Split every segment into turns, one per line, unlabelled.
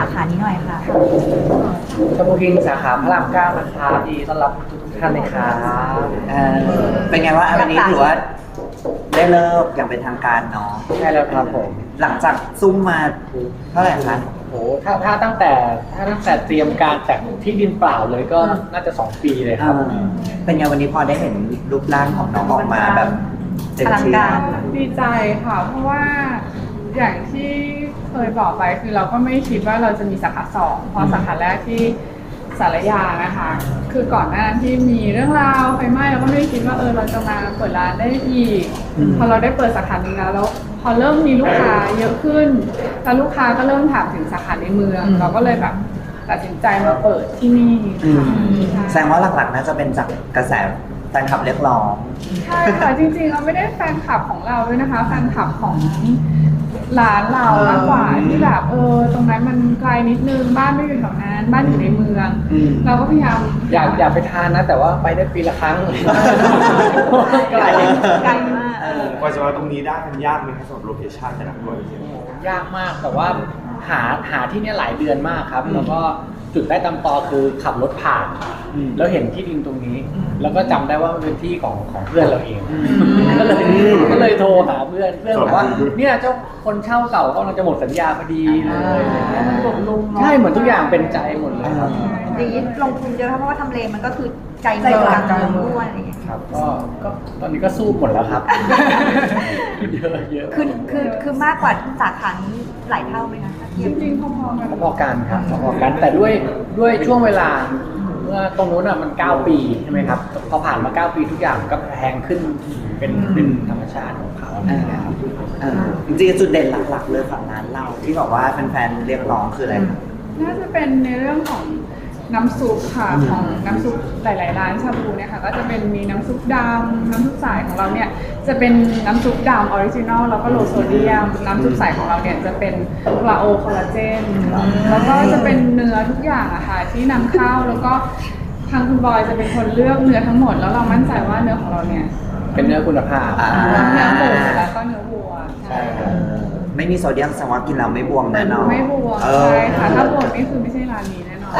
ขานี้หน่อยค่ะ
ชมพูคิงสาขาพระรามเก้านะครับดีต้อนรับทุกท่านเลยครับ
เป็นไงว่าวันนี้ถือว่าได้เลิกอย่างเป็นทางการเนาะ
ใช่แล้วครับผม
หลังจากซุ่มมาเท่าไหร่คะ
โอ้ถ้าตั้งแต่เตรียมการจากที่ดินเปล่าเลยก็น่าจะ2 ปีเลยครับ
เป็นไงวันนี้พอได้เห็นรูปร่างของน้องออกมาแบบเต็มที่
ดีใจค่ะเพราะว่าอย่างที่เคยบอกไปคือเราก็ไม่คิดว่าเราจะมีสาขา2เพราะสาขาแรกที่สารยานะคะคือก่อนหน้านั้นที่มีเรื่องราวไฟไหม้เราก็ไม่ได้คิดว่าเราจะมาเปิดร้านได้อีกพอเราได้เปิดสาขาหนึ่งแล้วพอเริ่มมีลูกค้าเยอะขึ้นแล้วลูกค้าก็เริ่มถามถึงสาขาในเมืองเราก็เลยแบบตัดสินใจมาเปิดที่นี่
แสดงว่าหลักๆน่าจะเป็นจากกระแสแฟนคลับเรียกร้อง
ใช่ค่ะจริงๆเราไม่ได้แฟนคลับของเราด้วยนะคะแฟนคลับของร้านเรามากกว่าที่แบบตรงนั้นมันไกลนิดนึงบ้านไม่อยู่แถวนั้นบ้านอยู่ในเมืองเราก็พยายาม
อยากไปทานนะแต่ว่าไปได้ปีละครั้ง
ไกลมาก
กว่าจะมาตรงนี้ได้มันยากไหมครับสำหรับโลเคชั่นแต่ละคน
ยากมากแต่ว่าหาที่นี่หลายเดือนมากครับแล้วก็จุดได้ตามตอคือขับรถผ่านแล้วเห็นที่ดินตรงนี้แล้วก็จำได้ว่ามันเป็นที่ของเพื่อนเราเองก็เลยโทรหาเพื่อนบอกว่าเนี่ยเจ้าคนเช่าเก่าก็กำลังจะหมดสัญญาพอดีเลยใช่เหมือนทุกอย่างเป็นใจหมดเลยครับ
อย่างนี้ลงทุนเยอะเพราะว่าทำเลมันก็คือใจเมืองกลางเมืองด้วยอะไรอย่างเงี้ย
ครับก็ตอนนี้ก็สู้หมดแล้วครับเยอะ
คือมากกว่าสาขานี้หลายเท่าไหมคะ
จริงๆ
พอกันครับพอกันแต่ด้วยช่วงเวลาเมื่อตรงนู้นมัน9 ปีใช่ไหมครับพอผ่านมา9 ปีทุกอย่างก็แพงขึ้นเป็นธรรมชาติของเขาครับ
จริงๆจุดเด่นหลักๆเลยของร้านเราที่บอกว่าแฟนๆเรียกร้องคืออะไรครับ
น่าจะเป็นในเรื่องของน้ำซุปค่ะของน้ำซุปหลายๆร้านชาบูเนี่ยค่ะก็จะเป็นมีน้ำซุปดำน้ำซุปใสของเราเนี่ยจะเป็นน้ำซุปดำออริจินอลแล้วก็โลโซเดียมน้ำซุปใสของเราเนี่ยจะเป็นปลาโอคอลลาเจนแล้วก็จะเป็นเนื้อทุกอย่างอะค่ะที่นำเข้าแล้วก็ทางคุณบอยจะเป็นคนเลือกเนื้อทั้งหมดแล้วเรามั่นใจว่าเนื้อของเราเนี่ย
เป็นเนื้อคุณภาพ
เนื้อหมูแล้วก็เนื้อวัวใช่ค่ะ
ไม่มีโซเดียมแสดงว่ากินแล้วไม่บวมแน่นอน
ไม่บวมใช่ค่ะถ้าบวมนี่คือไม่ใช่ร้านนี้แน่นอน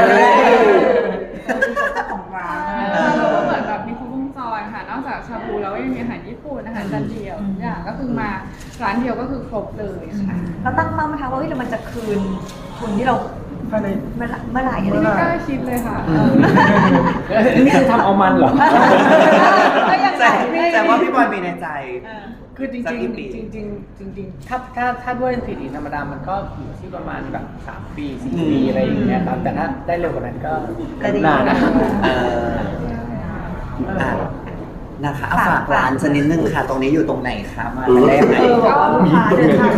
ของร้านแล้วก็เหมือนแบบมีครบวงจรค่ะนอกจากชาบูแล้วยังมีอาหารญี่ปุ่นอาหารจานเดียวทุกอย่างก็คือมาร้านเดียวก็คือครบเลยค่ะ
แล้วตั้งเป้าไหมคะว่าเรามันจะคืนทุนที่เราเมื่อไหร่อะไร
ไม่กล้าคิดเลยค่ะ
นี่คือทำเอามันเหรอ
แต่ว่าพี่บอยมีในใจ
คือจริงถ้าด้วยสถิติธรรมดามันก็อยู่ที่ประมาณแบบ3 ปี4 ปีอะไรอย่างเงี้ยครับแต่ถ้าได้เร็วกว่านั้นก็นานนะ
นะคะฝากร้านชนิดนึงค่ะตรงนี้อยู่ตรงไหนคะมาได้ไหม
ก็มีตรงไหน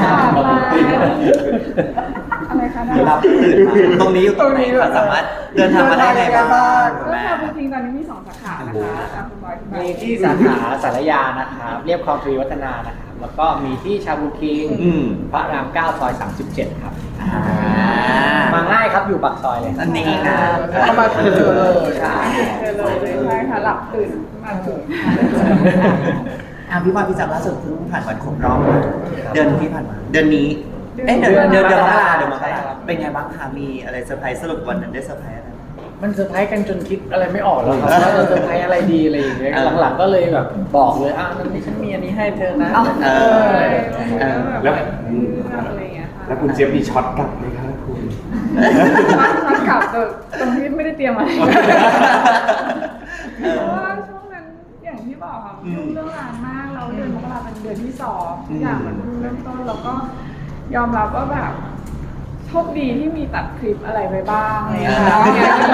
อะไรคะ
รับตื่นมาตรงนี้อยู่ตรงไหนคะสามารถเดินทางมาได้ไหนบ้าง
ก็ชาบูคิงตอนนี้มี2 สาขานะคะ
มีที่สาขาสารยานะครับเรียบคลองทวีวัฒนานะครับแล้วก็มีที่ชาบูคิงพระราม9 ซอย 37ครับมาง่ายครับอยู่ปากซอยเลย
อันนี้นะ
เข้ามาเจอเลย
ใช่ค่ะหลับตื่นมาถึง
พี่บอยพี่จับล่าสุดเพิ่งผ่านวันครบรอบเดือนที่ผ่านมาเดือนนี้เดือนมกราเป็นไงบ้างคะมีอะไรเซอร์ไพรส์สรุปวันนั้นได้เซอร์ไพรส์อะไร
มันเซอร์ไพรส์กันจนคิดอะไรไม่ออกแล้วครับว่าเราเซอร์ไพรส์อะไรดีอะไรอย่างเงี้ยหลังๆก็เลยแบบบอกเลยนั่นนี่ฉันมีอันนี้ให้เธอนะ
แล้วคุณเจี๊ยบมีช็อตกลับไหมครับคุณ
ช็อตกลับตรงที่ไม่ได้เตรียมอะไรเพราะว่าช่วงนั้นอย่างที่บอกค่ะยุ่งเรื่องงานมากเราเดือนมกราเป็นเดือนที่2ทุกอย่างมันเริ่มต้นแล้วก็ยอมรับว่าแบบโชคดีที่มีตัดคลิปอะไรไปบ้างอะไรอย่างเงี้ย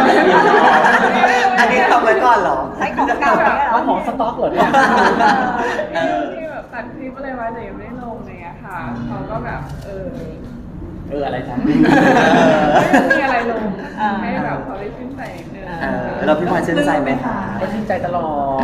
อันนี้ทำไว้ก่อนเหรอ
ใช้ของเก่า
เอาของสต็อกเหรอเนี่ย
ที่แบบตัดคลิปอะไรไว้แต่ยังไม่ได้ลงอะไรอย่างเงี้ยค่ะเขาก็แบบ
อะไรจ๊ะ
ไม่มีอะไรลงให้แบบเขาได้ชื่นใจนิดนึง
เราพี่บอยชื่นใจไหมคะ
ก็ชื่นใจตลอด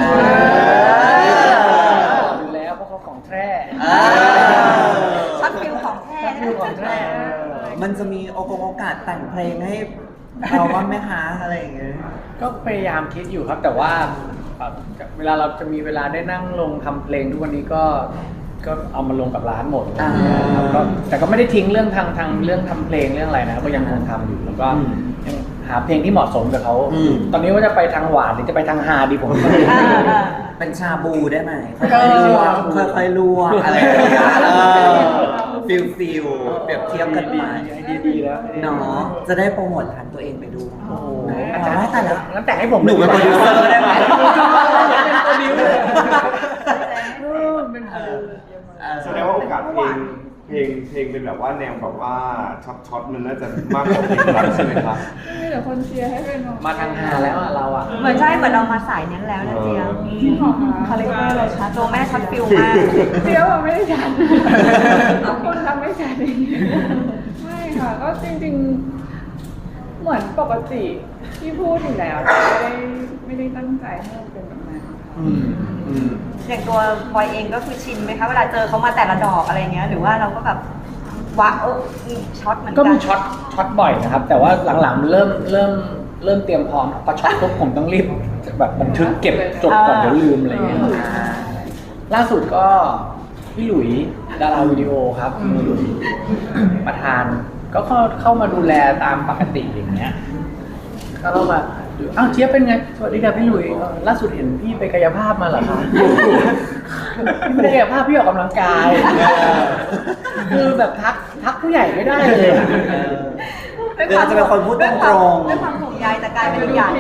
อยู่แล้วเพราะเขาของแท้
ช็อตฟิลของแท้
มันจะมีโอกาสแต่งเพลงให้เราบ้างไหมคะอะไรอย่างเงี้ย
ก็พยายามคิดอยู่ครับแต่ว่าเวลาเราจะมีเวลาได้นั่งลงทำเพลงทุกวันนี้ก็ก็เอามาลงกับร้านหมดอะไรอย่างเงี้ยครับก็แต่ก็ไม่ได้ทิ้งเรื่องทางเรื่องทำเพลงเรื่องอะไรนะก็ยังคงทำอยู่แล้วก็ยังหาเพลงที่เหมาะสมกับเขาตอนนี้ว่าจะไปทางหวานหรือจะไปทางฮาดีผมก็ไม่รู้
เป็นชาบูได้ไหมค่อยๆลวกค่อยๆลวกอะไรอย่างเงี้ยฟิลเปรียบเทียบกันไป
ดีแล้ว
เนาะจะได้โปรโมทร้านตัวเองไปดู
โอ้โห
แต่ละ
งั้นแต่งให้ผม
หนูเป็นโปรดิวเซอร์ได้ไหม
เป็นโปรดิวเซอร์
เป็นโปรดิวเซอร์
แสดงว่าโอกาสเพลงเป็นแบบว่าแนวแบบว่าช็อตมันน่าจะมากกว่าเพลงรักใช่ไหมครับ
มีแต่คนเชียร์ให้เป็น
มาทางฮาแล้วอะเราอะ
เหมือนใช่เหมือนเรามาสายนั้นแล้วนะเจีย
จริงเหรอคะ
คาแรคเตอร์เลยค่ะตัวแม่ช็อตฟิลมาก
เดี๋ยวเราไม่ได้ฉันคนทำไม่ฉันเองไม่ค่ะก็จริงๆเหมือนปกติที่พูดอยู่แล้วไม่ได้ตั้งใจให้มันเป็นแบบนั้นค่ะ
อย่างตัวบอยเองก็คือชินไหมคะเวลาเจอเขามาแต่ละดอกอะไรเงี้ยหรือว่าเราก็แบบว้ามีช็อตเหมือนกัน
ก็มีช็อตบ่อยนะครับ แต่ว่าหลังๆเริ่มเตรียมพร้อมพอช็อตปุ๊บผมต้องรีบแบบบันทึกเก็บจดก่อนเดี๋ยวลืมอะไรเงี้ยล่าสุดก็พี่หลุยดาราวิดีโอครับพี่หลุยประธานก็เข้ามาดูแลตามปกติอย่างเงี้ยก็เข้ามาอ้าวเจี๊ยบเป็นไงสวัสดีครับพี่หลุยล่าสุดเห็นพี่ไปกายภาพมาเหรอคะพี่ไม่ได้กายภาพพี่ออกกำลังกายคือแบบทักผู้ใหญ่ไม่ได้เลยอะ
เดี๋ยวจะเป็นคนพูดตรง
ด้วยความห่วงใยแต่กลายเป็นอีกอย่าง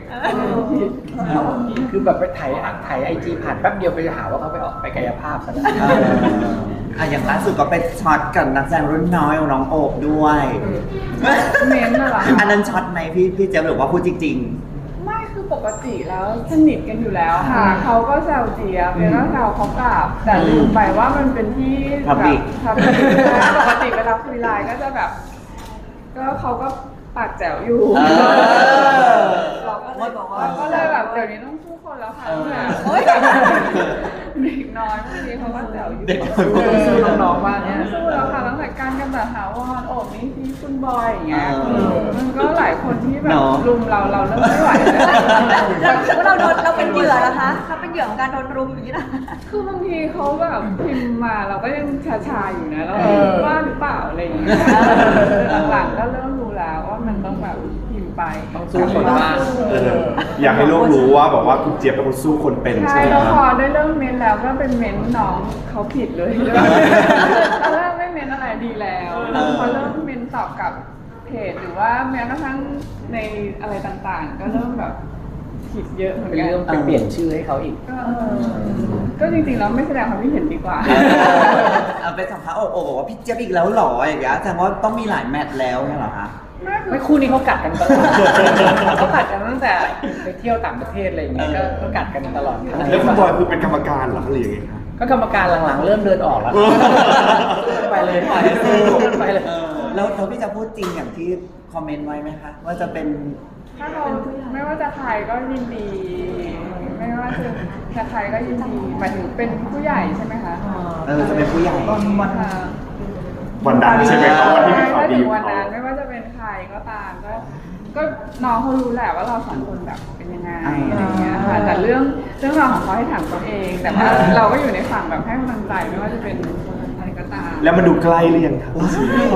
คือแบบไปถ่ายไอจีผ่านแป๊บเดียวไปหาว่าเขาไปกายภาพซะแล้ว
อย่างล่าสุดก็ไปช็อตกับนักแสดงรุ่นน้อยของน้องโอบด้วย
เม้นท์น่ะเหรอ
อันนั้นช็อตไหมพี่เจ๊ยบหรือว่าพูดจริง
ไม่คือปกติแล้วสนิทกันอยู่แล้วค่ะเขาก็แซวเจี๊ยบเจี๊ยบก็แซวเขากลับแต่ลืมไปว่ามันเป็นที่แบบ
Public
ปกติเวลาคุยไลน์ก็จะแบบ ก็เขาก็ปากแจ๋วอยู่
เราก็เลยบอกว่า
ก็เลยแบบเดี๋ยวนี้ต้องสู้คนแล้วค่ะแบบเด็กน้อยบางทีเขาก็แซวอยู่
เด็กน้อย
ต้องสู้น้องๆว่าเนี่ย
สู้แล้วค่ะตั้งแต่การกันแบบหาวอนโอบนี่ที่คุณบอยอย่างเงี้ย
เออ
มันก็หลายคนที่แบบ
เนาะ
รุมเราเริ่มไม่ไหวแล้ว
เราคิดว่าเราเป็นเหยื่อนะคะเขาเป็นเหยื่อของการโดนรุมอย่างนี้นะ
คือบางทีเขาแบบพิมพ์มาเราก็ยังชาๆอยู่นะแล้วว่าหรือเปล่าอะไรอย่างเงี้ยหลังๆก็เริ่มรู้แล้วว่ามันต้องแบบพิมพ์ไป
ต้องสู้คนมาก
อยากให้โลกรู้ว่าบอกว่าคุณเจี๊ยบเป็นคนสู้คนเป็น
ใช่
ใช่ไหม
แล้ว
ค
พ
รั
อบ ได้เริ่มเม้นแล้วก็เป็นเม้นน้องเขาผิดเลยตอนแรกไม่เม้นอะไรดีแล้วพอเริ่มเม้นตอบกับเพจหรือว่าแม้กระทั่งในอะไรต่างๆ ก็เริ่มแบบผิดเยอะเหมือน
เป็น
กัน
เรื่องไปเปลี่ยนชื่อให้เขาอีก
ก็จริงๆแล้วไม่แสดงความคิดเห็นดีกว่า
เอาไปสัมภาษณ์โอบบอกว่าพี่เจี๊ยบอีกแล้วเหรออย่างเงี้ยแสดงว่าต้องมีหลายแมตช์แล้วเนี่ยเหรอคะ
ไม่คู่นี้เขากัดกันตลอดเขากัดกันตั้งแต่ไปเที่ยวต่างประเทศอะไรอย่างเงี้ยก็กัดกันตลอด
แล้วคุณบอยคือเป็นกรรมการเหรอหรือยังไงครับ
ก็กรรมการหลังๆเริ่มเดินออกแล้วไปเลยไปเลย
แล้วพี่จะพูดจริงอย่างที่คอมเมนต์ไว้ไหมคะว่าจะเป็น
ถ้าเราไม่ว่าจะใครก็ยินดี ไม่ว่าจะใครก็ยินดีหมายถึงเป็นผู้ใหญ่ใช่ไหมคะ
จะเป็นผู้ใหญ่
ค่ะ
วันดังใช่ไหมครับวันที่มีข่าว
ถ้า
ดี
ถึง
ของ
วัน
เขา
นั้นไม่ว่าจะเป็นใครก็ตามก็น้องเขารู้แหละว่าเราสองคนแบบเป็นยังไงอะไรเงี้ยค่ะแต่เรื่องราวของเขาให้ถามตัวเอง แต่ว่าเราก็อยู่ในฝั่งแบบให้กำลังใจไม่ว่าจะเป็นอะไรก็ตาม
แล้วมันดูใกล้หรือยังครับ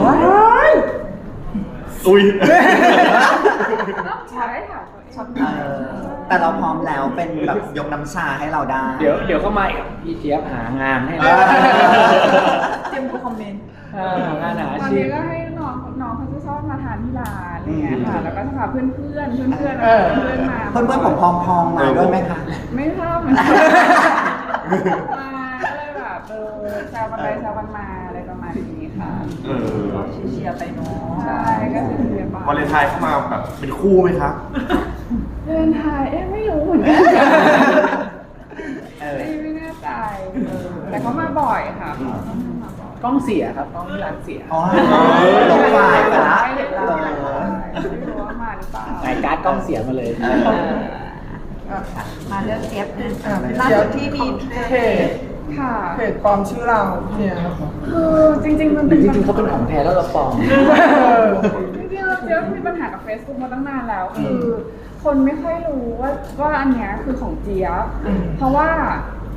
อุ้ย
ใช้ถามตัวเอง
แต่เราพร้อมแล้วเป็นแบบยกน้ำชาให้เราได้
เดี๋ยวก็มาอีกพี่เจี๊ยบหางานให้เรา
เตรียมดูคอมเมนต์
งานหา
ตอน
ชี
นี้
พ
ก็ให้น้องเขาจะชอบมาทานที่ร้านอะไรเงี้ยค่ะ แล้วก็จะพาเพื่อนมา
เพื่อนๆผมพองๆมาด้วยไหมคะ
ไม่ชอบเหมือนกันมาก็เลยแบบแซวกันไปแซวกันมาอะไรประมาณนี้ค่ะ
เชียร์ไปเนาะ
ใช่ก็คือเรียน
วาเลนไทน์เข้ามาแบบเป็นคู่ไหมครับ
เดินไทยไม่รู้เหมือนกันไม่แน่ใจแต่เขามาบ่อยค่ะ
กล้องเสียครับกล้องที่ร้านเสีย
อ๋อลงไฟล์ไปละ
ไม่เห็นเราไม่รู้ว่ามาหรือเปล่า
จ่ายการ์ดกล้องเสียมาเลย
มาเลือกเจี๊ยบล่าสุดที่มี
เพจ
ค่ะ
เพจปลอมชื่อเราเนี่ยครับ
คือจริงๆมัน
จ
เป็น
ริงๆเขาเป็นของแท้แล้วเราปลอม
จริงๆเราเจอมีปัญหากับ Facebook มาตั้งนานแล้ว คือคนไม่ค่อยรู้ว่าอันเนี้ยคือของเจี๊ยบเพราะว่า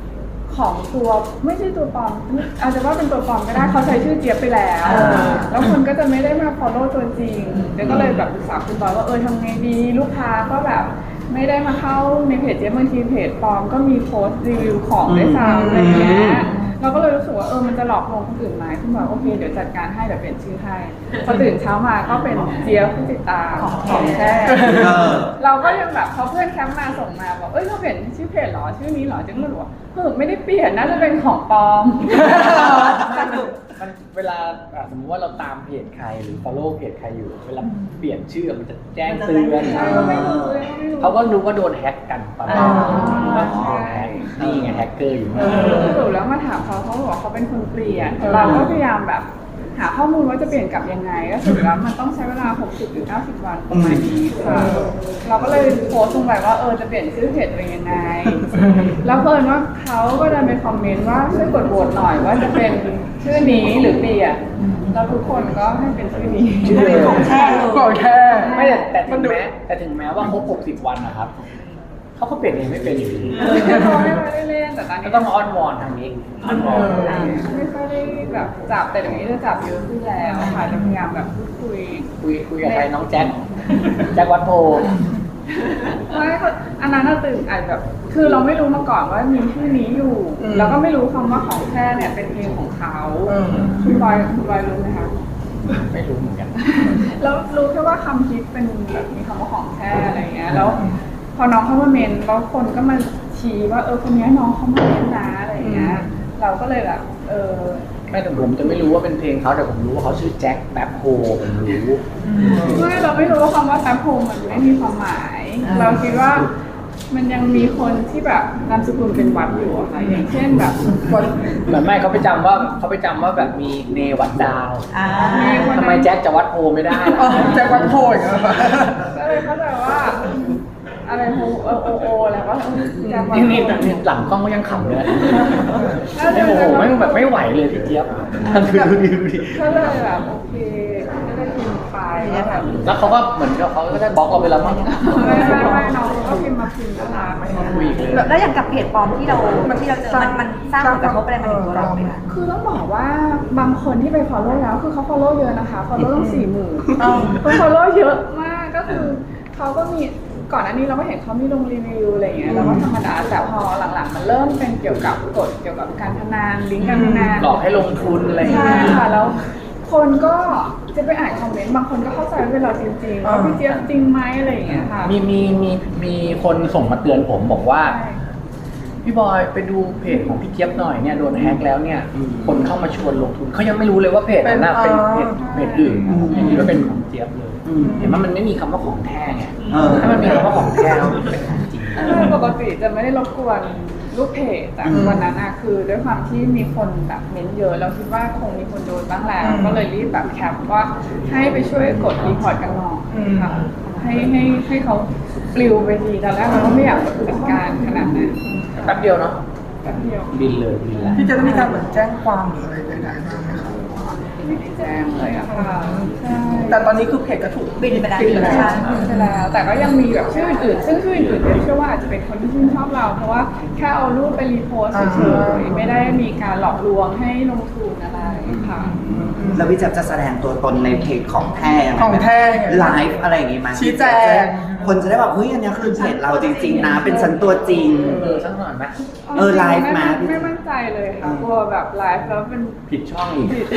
ของตัวไม่ใช่ตัวปลอมอาจจะว่าเป็นตัวปลอมก็ได้เขาใช้ชื่อเจี๊ยบไปแล้วแล้วคนก็จะไม่ได้มา follow ตัวจริงเดี๋ยวก็เลยแบบปรึกษาคุณบอยว่าทำไงดีลูกค้าก็แบบไม่ได้มาเข้าในเพจเจี๊ยบบางทีเพจปลอมก็มีโพสต์รีวิวของด้วยซ้ำอะไรอย่างเงี้ยเราก็เลยรู้สึกว่ามันจะหลอกลวงคนอื่นไหมคุณบอกโอเคเดี๋ยวจัดการให้เดี๋ยวเปลี่ยนชื่อให้พอตื่นเช้ามาก็เป็นเจี๊ยบผู้ติดตามของแท้เราก็ยังแบบเขาเพื่อนแคมป์มาส่งมาบอกเราเปลี่ยนชื่อเพจหรอชื่อนี้หรอจึงเลยบอกว่าไม่ได้เปลี่ยนน่าจะเป็นของปลอม
มันเวลาสมมติว่าเราตามเพจใครหรือ follow เพจใครอยู่เวลาเปลี่ยนชื่อมันจะแจ้งเตือน
ใช่ก็ไม่รู้
เขาก็รู้ว่าโดนแฮ็กกันประมาณว่าโดนแฮ็กนี่ไงแฮกเกอร์อยู่
สรุปแล้วมาถามเขาบอกว่าเขาเป็นคนเปลี่ยนเราก็พยายามแบบหาข้อมูลว่าจะเปลี่ยนกลับยังไงก็สรุปแล้วมันต้องใช้เวลา60 หรือ 90 วันประมาณนี้ค่ะเราก็เลยโพสต์ลงไปว่าจะเปลี่ยนชื่อเพจตัวเองยังไงแล้วเพิ่นว่าเขาก็เดินไปคอมเมนต์ว่าช่วยกดโหวตหน่อยว่าจะเป็นชื่อนี้หรือเปลี่ยนแล้วทุกคนก็ให้เป็นชื่อนี้
ชื่อเลย
ของแท้เลย
ของแท้
ไม่แต่ถึงแม้ว่าครบ60 วันนะครับเขาก็เปลี่ยนเองไม่เป็นอยู่ดี
เขาไม่ได้เล่นแต่ตอน
ก็
นี้
ต้องมาอ้อนวอนทางนี้อ้อนวอน
ไม่ค่อยได้แบบจับแต่เดี๋ยวนี้จะจับเยอะขึ้นแล้วค่ะจะพยายามแบบพูดคุย
กับใครน้องแจ็ควัดโพ
ไม่อันนั้นน่ะตื่นอาจแบบคือเราไม่รู้มาก่อนว่ามีชื่อนี้อยู่แล้วก็ไม่รู้คำว่าของแท้เนี่ยเป็นเพลงของเขาคุณบอยรู้ไหมคะ
ไม่รู้เหมือนกัน
แล้วรู้แค่ว่าคำฮิตเป็นแบบมีคำว่าของแท้อะไรเงี้ยแล้วพอน้องเข้ามาเมนแล้วคนก็มาชี้ว่าคนนี้น้องเขามาเมนนะอะไรเงี้ยเราก็เลยแบบ
ไม่แต่ผมจะไม่รู้ว่าเป็นเพลงเขาแต่ผมรู้ว่าเขาชื่อแจ็คแป๊บโฮผมรู้
ไม่เราไม่รู้ว่าคำว่าแท็บโฮมมันไม่มีความหมาย เราคิดว่ามันยังมีคนที่แบบนามสกุลเป็นวัดอยู่อะค่ะอย่างเช่นแบบคน
เหมือนไม่เขาไปจำว่าแบบมีเนวัดดาว ทำไมแจ็คจะวัดโพไม่ได้
แจ็ควัดโพอย่างเงี้ย
ก็เลยเข้าใจว่าอะไรโอแล้วก็แจ็ควัด
นี่
โฮ
หลังกล้องก็ยังขำเลยไอ้โอ้โหไม่แบบไม่ไหวเลยพี่เจี๊ยบดูดิ
ก็เลยแบบโอเคก็ได้พิมพ์ไปแล้วแบบ
แล้วเขาก็เหมือนกับเขาก็ได้บล็อกเราไปแล้วมั้ง
ไม่น้องก็พิมพ์มาพิมพ์นะคะ
ไม่มาคุยอีกเลย
แล้วอย่างกับเพจปลอมที่เราเจอมันสร้างผลกระทบอะไรมาถึงตัวเราไหมคะ
คือต้องบอกว่าบางคนที่ไป follow แล้วคือเขา follow เยอะนะคะ follow ต้อง40,000คน follow เยอะมากก็คือเขาก็มีก่อนอันนี้เราก็เห็นเขามีลงรีวิวอะไรอย่างเงี้ยเราก็ธรรมดาแต่พอหลังๆมันเริ่มเป็นเกี่ยวกับกฎเกี่ยวกับการพนันลิงก์การพนัน
หลอกให้ลงทุนอะไรอย่าง
ใช่
เงี้ย
ค่ะแล้วคนก็จะไปอ่านคอมเมนต์บางคนก็เข้าใจว่าเป็นเราจริงๆว่าพี่เจี๊ยบจริงไหมอะไรอย่างเงี้ยค่ะ
มีคนส่งมาเตือนผมบอกว่า พี่บอยไปดูเพจของพี่เจี๊ยบหน่อยเนี่ยโดนแฮกแล้วเนี่ยคนเข้ามาชวนลงทุนเขายังไม่รู้เลยว่าเพจนั้นเป็นเพจอื่นยังคิดว่าเป็นของเจี๊ยบเลยเห็นไหมมันไม่มีคำว่าของแท้ไงถ้ามันมีคำว่าของแท้มันเป็นของจริง
ปกติจะไม่ได้รบกวนลูกเพจแต่วันนั้นอะคือด้วยความที่มีคนแบบเม้นเยอะเราคิดว่าคงมีคนโดนบ้างแล้วก็เลยรีบแบบแคปว่าให้ไปช่วยกดรีพอร์ตกันหน่อยค่ะให้เขาปลิวไปทีตอนแรกเราก็ไม่อยากจัดการขนาดนั้น
แป๊บเดียวเนาะ
แป๊บเดียว
บินเลยบินแล้ว
พี่จะต้องมีการเหมือนแจ้งความหรืออะไรใดๆบ้างไหมคะ
ไม่ได้แจ้งเลยอะค่ะใช่
แต่ตอนนี้คือเพจก็ถูก
บินไปแล้ว
ปิดแล้ว
ใช่ไปแล้วแต่ก็ยังมีแบบชื่ออื่นๆซึ่งชื่ออื่นๆเชื่อว่าอาจจะเป็นคนที่ชื่นชอบเรา เพราะว่าแค่เอารูปไปรีโพสต์เฉยๆไม่ได้มีการหลอกลวงให้ลงทุนอะไรค่ะ
แล้วพี่แจ๊บจะแสดงตัวตนในเพจของแท้ยังไง
ของแท้ยังไง
ไลฟ์อะไรอย่างงี้ไหม
ชี้แจง
คนจะได้แบบเฮ้ยอันนี้คือเพจเราจริงๆนะเป็นฉันตัวจริง
สักหน่อยไหม
ไลฟ์มา
ไม่มั่นใจเลยค่ะกลัวแบบไลฟ์แล้วเป็น
ผิดช่องอีก
ผิด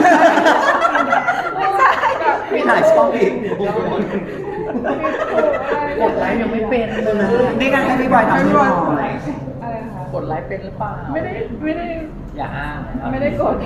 ไม่ใช่
แบบผิด
หลายช่องอีก
กดไลค์ยังไม่เป็นเลย
นี่กันให้พี่บอยทำให้หน่อย
อะไรคะ
กดไลค์เป็นหรือเปล่า
ไม่ได้
อย่าอ้างนะครับ
ไม่ได้กด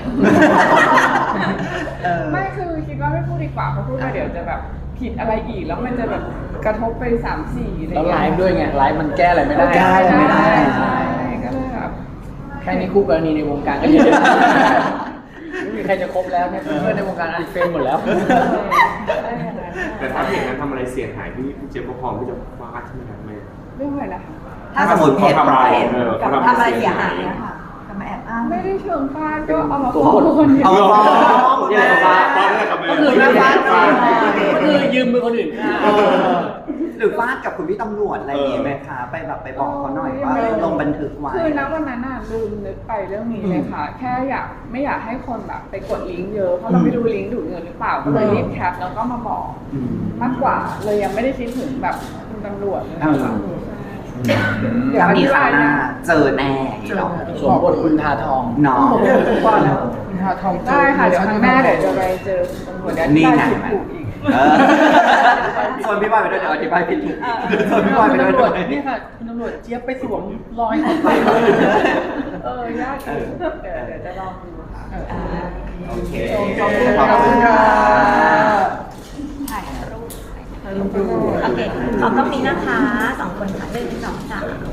เออ
ไม่คือคิดว่าไม่พูดดีกว่าเพราะพูดไปเดี๋ยวจะแบบผิดอะไรอีกแล้วมันจะแบบกระทบไป3-4อะไร
แล้วไลฟ์ด้วยไงไลฟ์มันแก้อะไรไม่ได้
แก้อะไรไม่ได้
ใช่ก็เลยแบบ
แค่นี้คู่กรณีในวงการก็เยอะไม่มีใครจะคบแล้วเนี่ยเพื่อนในวงการอันเฟรมหมดแล้ว
แต่ถ้าเพจนั้นทำอะไรเสียหายพี่เจี๊ยบก็พร้อมที่จะฟาดใช่ไหมครับแม่
เรื่องอะไรนะคะ
ถ้าสมมติเพจกับทำอะไรเสียหายอะค่ะมาแอบอ้าง
ไม่ได้เชิงฟาดก็เอามาฟ้องคนเดียว
เอามาฟ้อง
เนี่ยฟ้า
ตอนแรกกับแม่
ก็คือแม่ฟ้าก็คือยืมมือคนอื่นฆ่า
หรือฟาดกับคุณพี่ตำรวจอะไรอย่างงี้ไหมคะไปแบบไปบอกเขาหน่อยว่าลงบันทึกไว้
คือณวันนั้นน่ะลืมนึกไปเรื่องนี้เลยค่ะ แค่ไม่อยากให้คนแบบไปกดลิงก์เยอะเพราะเราไม่รู้ลิงก์ดูดเงินหรือเปล่าก็เลยรีบแคปแล้วก็มาบอก
อืม
มากกว่าเลยยังไม่ได้คิดถึงแบบคุณตำรวจเลย
ถ้ามีคราวหน้าเจอแน่อย่างงี้เนาะ
สวมบทคุณทาทอง
เนาะ
ว่าแล้วคุณทาทอง
ได้ค่ะเดี๋ยวครั้งหน้าเดี๋ยวจะไปเจอคุณตำรวจเดี๋ยว
นี่ไง
ได้ถูกอีก
เออส่วนพี่บอยไปด้วยเดี๋ยวอธิบายผิดถูกส่วนพี่บอยไป
คุณ
ด้วย
ตำรวจนี่ค่ะคุณตำรวจเจี๊ยบไปสวมรอยของไป
ยากอยู่เดี๋ยวจะลองดูค่ะ
โอเค
ขอบคุณค่ะ
ถ่ายรูปโอเคขอบตรงนี้นะคะ2 คนค่ะ1 2 3